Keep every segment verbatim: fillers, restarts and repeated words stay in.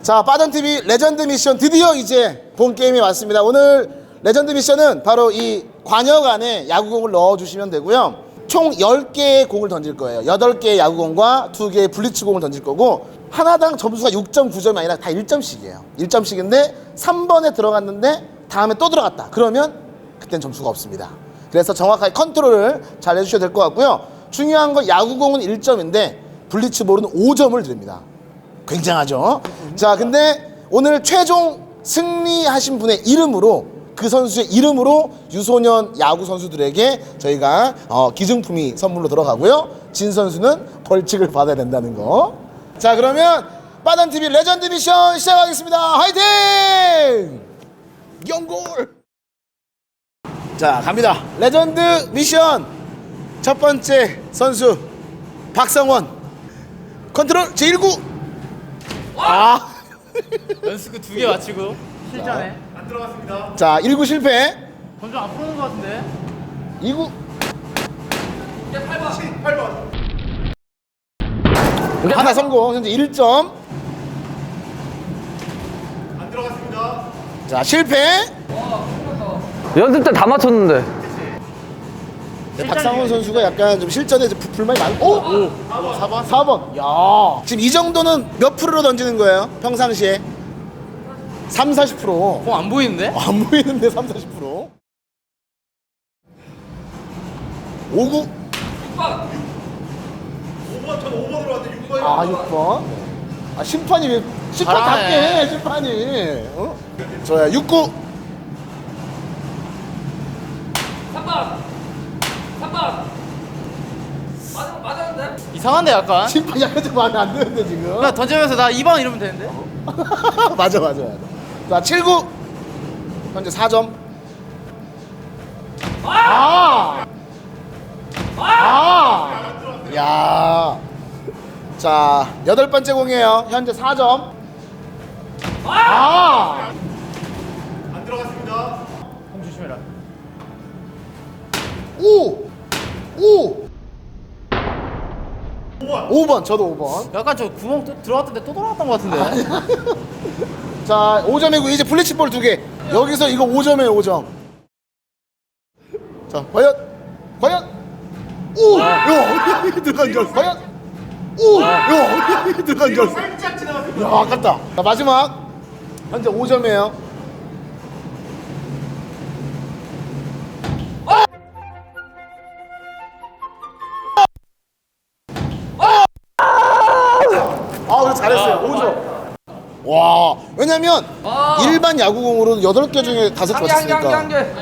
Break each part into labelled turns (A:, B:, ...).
A: 자, 빠전티비 레전드 미션 드디어 이제 본 게임이 왔습니다. 오늘 레전드 미션은 바로 이 관역 안에 야구공을 넣어주시면 되고요. 총 열 개의 공을 던질 거예요. 여덟 개의 야구공과 두 개의 블리츠공을 던질 거고, 하나당 점수가 육 점 구 점이 아니라 다 일 점씩이에요. 일 점씩인데 삼 번에 들어갔는데 다음에 또 들어갔다. 그러면 그땐 점수가 없습니다. 그래서 정확하게 컨트롤을 잘 해주셔야 될 것 같고요. 중요한 건 야구공은 일 점인데 블리츠볼은 오 점을 드립니다. 굉장하죠? 자, 근데 오늘 최종 승리하신 분의 이름으로, 그 선수의 이름으로 유소년 야구 선수들에게 저희가 어, 기증품이 선물로 들어가고요. 진 선수는 벌칙을 받아야 된다는 거. 자, 그러면 빠단티비 레전드 미션 시작하겠습니다. 화이팅! 연골! 자, 갑니다. 레전드 미션 첫 번째 선수 박성원. 컨트롤 제일 구. 아.
B: 연습구 두 개 맞추고 실전에
C: 안 들어갔습니다.
A: 자, 일 구 실패.
B: 점점 안 풀어오는 것 같은데.
A: 이 구.
C: 팔 번. 팔 번.
A: 하나 성공. 현재 일 점.
C: 안 들어갔습니다.
A: 자, 실패.
D: 연습 때 다 맞췄는데.
A: 네, 박상원 선수가 약간 좀 실전에 좀 불만이 많고. 오! 오. 사 번. 사 번. 야. 지금 이 정도는 몇 프로로 던지는 거예요? 평상시에? 삼, 사십 프로.
B: 공 안 보이는데?
A: 안 보이는데 삼, 사십 프로. 오 구.
C: 오 번. 전 오 번으로 왔는데 육 번이.
A: 아, 육 번. 아, 심판이 왜 심판답게
B: 잘하네.
A: 해, 심판이. 어? 저야 육 구.
E: 삼 번. 삼 번. 맞아, 맞았는데?
B: 이상한데 약간.
A: 심판 약간 좀 마음에 안 드는데 지금.
B: 나 던지면서 나 이 번 이러면 되는데.
A: 맞아, 맞아, 맞아. 자, 칠 구. 현재 사 점. 아! 아! 야. 자, 여덟 번째 공이에요. 현재 사 점. 아!
C: 안 들어갔습니다.
B: 공 조심해라.
A: 오! 오!
C: 오 번.
A: 오 번, 저도 오 번.
B: 약간 저 구멍 또 들어갔던데 또 돌아갔던 것 같은데.
A: 자, 오 점이고 이제 블리치볼 두 개. 여기서 이거 오 점이에요, 오 점. 자, 과연 과연 오! 야, 어디 들어간 줄 알았어. 과연 오! 야, 어디 들어간 줄 알았어.
C: 살짝 지나갔습니다.
A: 야, 아깝다. 자, 마지막 현재 오 점이에요. 아, 그래 잘했어요. 오 점. 와, 왜냐면 일반 야구공으로는 여덟 개 중에 다섯 개 맞췄으니까.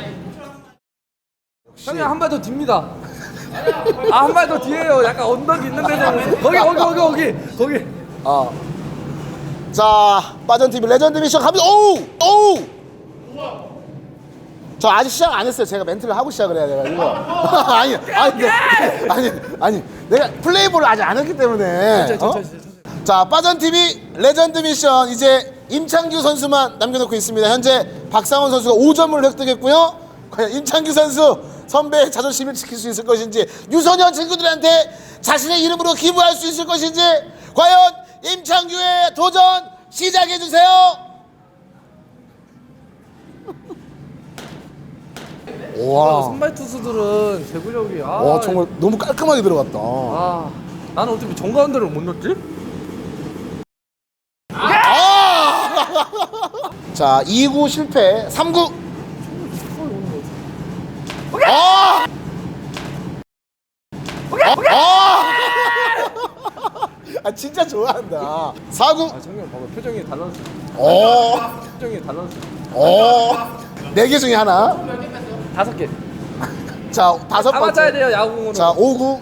E: 형님 한 발 더 딥니다. 아, 한 발 더 뒤에요. 약간 언덕이 있는 데서 거기 거기 거기 거기 거기.
A: 아. 자, 빠전티비 레전드 미션 갑니다. 오우! 오우! 저 아직 시작 안 했어요. 제가 멘트를 하고 시작을 해야 돼가지고. 아니, 아니, 네. 아니, 아니, 내가 플레이볼을 아직 안 했기 때문에. 어? 자, 빠전티비 레전드 미션 이제 임창규 선수만 남겨놓고 있습니다. 현재 박상원 선수가 오 점을 획득했고요. 과연 임창규 선수 선배의 자존심을 지킬 수 있을 것인지, 유소년 친구들한테 자신의 이름으로 기부할 수 있을 것인지, 과연 임창규의 도전 시작해주세요. 와,
E: 선발 투수들은 제구력이 아.
A: 와, 정말 너무 깔끔하게 들어갔다.
E: 아, 나는 어떻게 정가운데를 못 넣지?
A: 아! 자, 이 구 실패. 삼 구. 아! 아! 아, 진짜 좋아한다. 사 구.
E: 아, 정경 봐봐. 표정이 달라졌어.
A: 어.
E: 표정이 달라졌어.
A: 어. 네 개 중에 하나.
E: 다섯 개.
A: 자, 다섯
E: 다 맞아야
A: 번째.
E: 돼요, 야구공으로.
A: 자, 오 구.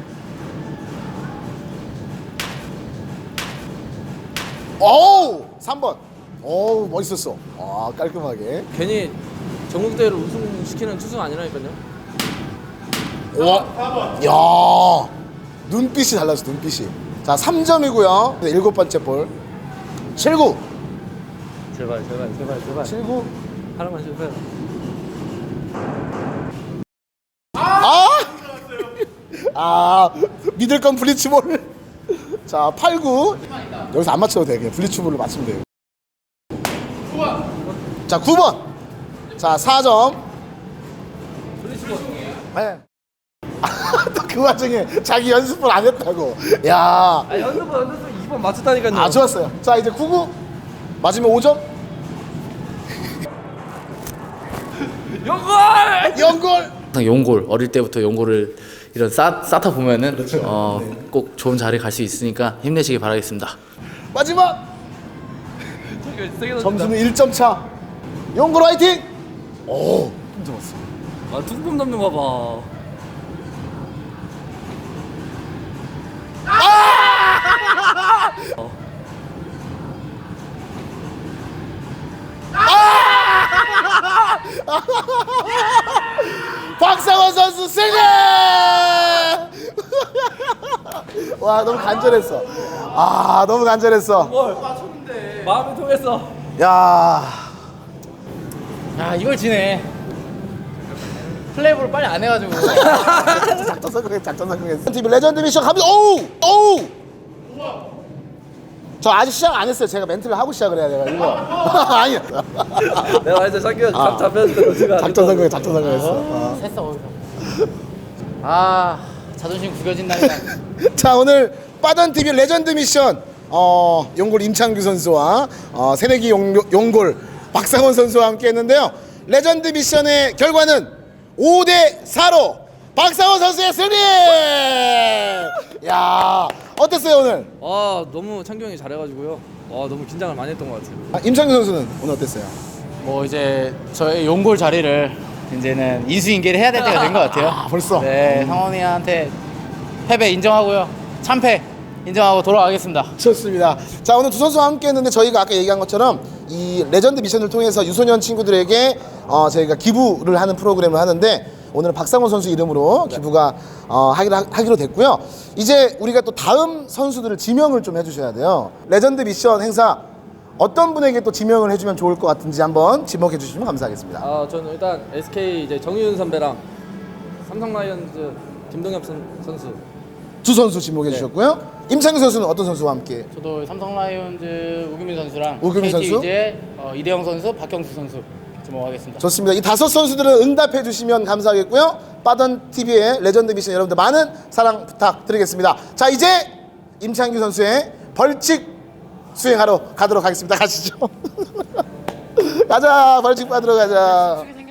A: 어우! 삼 번. 어우, 멋있었어. 아, 깔끔하게.
E: 괜히 전국대회를 우승시키는 투수가 아니라니까요.
A: 와. 야. 눈빛이 달라졌어, 눈빛이. 자, 삼 점이고요. 일곱 번째 볼. 칠 구.
E: 제발, 제발, 제발, 제발.
A: 칠 구.
E: 하나만 실패.
A: 아! 아, 믿을 건 블리츠볼. 자, 팔 구. 여기서 안 맞춰도 돼. 그냥 블리츠볼로 맞추면 돼요. 자, 구 번. 자, 사 점. 네. 또 그 와중에 자기 연습을 안 했다고. 야.
E: 아 연습은 연습은 이 번 맞췄다니까요.
A: 아, 좋았어요. 자, 이제 구구. 맞으면 오 점.
E: 연골!
A: 연골.
B: 항상 용골 어릴 때부터 용골을 이런 쌓, 쌓다 보면은 어, 꼭 좋은 자리 갈 수 있으니까 힘내시기 바라겠습니다.
A: 마지막.
E: 저기 세게 던진다.
A: 점수는 일 점 차. 용골 화이팅. 오, 힘 좋았어.
E: 아 둥금 넘는 거 봐.
A: 박상원 선수 승리! 와, 너무 간절했어. 아, 너무 간절했어.
E: 마음이 통했어.
A: 야,
B: 야 이걸 지네. 플레이볼 빨리 안 해가지고.
A: 작전 성공했, 작전 성공했어. 티비 레전드 미션 갑니다. 오우, 오우. 저 아직 시작 안 했어요. 제가 멘트를 하고 시작을 해야 돼요. 이거 아니야.
E: 내가 이제 자기가
A: 아.
E: 각 잡혔을 때 로지가
A: 작전 성공해, 작전 성공했어. 어.
B: 했어 거기서. 아 자존심 구겨진다니까.
A: 자, 오늘 빠던 티비 레전드 미션 어, 용골 임창규 선수와 어, 새내기 용, 용골 박상원 선수와 함께 했는데요. 레전드 미션의 결과는 오 대 사로 박상원 선수의 승리! 야, 어땠어요 오늘?
E: 아 너무 창규 형이 잘해가지고요. 아 너무 긴장을 많이 했던 것 같아요.
A: 아, 임창규 선수는 오늘 어땠어요?
B: 뭐 이제 저의 용골 자리를 이제는 인수인계를 해야 될 때가 된 것 같아요.
A: 아, 벌써?
B: 네, 상원이한테 패배 인정하고요. 참패 인정하고 돌아가겠습니다.
A: 좋습니다. 자, 오늘 두 선수와 함께 했는데 저희가 아까 얘기한 것처럼 이 레전드 미션을 통해서 유소년 친구들에게 어, 저희가 기부를 하는 프로그램을 하는데 오늘은 박상원 선수 이름으로 기부가 어, 하기로, 하기로 됐고요. 이제 우리가 또 다음 선수들을 지명을 좀 해주셔야 돼요. 레전드 미션 행사 어떤 분에게 또 지명을 해주면 좋을 것 같은지 한번 지목해 주시면 감사하겠습니다.
E: 아 저는 일단 에스케이 이제 정유윤 선배랑 삼성 라이온즈 김동엽 선, 선수.
A: 두 선수 지목해 주셨고요. 임창규 선수는 어떤 선수와 함께?
B: 저도 삼성 라이온즈 우규민 선수랑
A: 우규민
B: 케이티
A: 선수?
B: 이제 어, 이대영 선수, 박경수 선수 지목하겠습니다.
A: 좋습니다. 이 다섯 선수들은 응답해 주시면 감사하겠고요. 빠던 티비의 레전드 미션 여러분들 많은 사랑 부탁드리겠습니다. 자, 이제 임창규 선수의 벌칙 수행하러 가도록 하겠습니다. 가시죠. 가자, 벌칙 받으러 가자.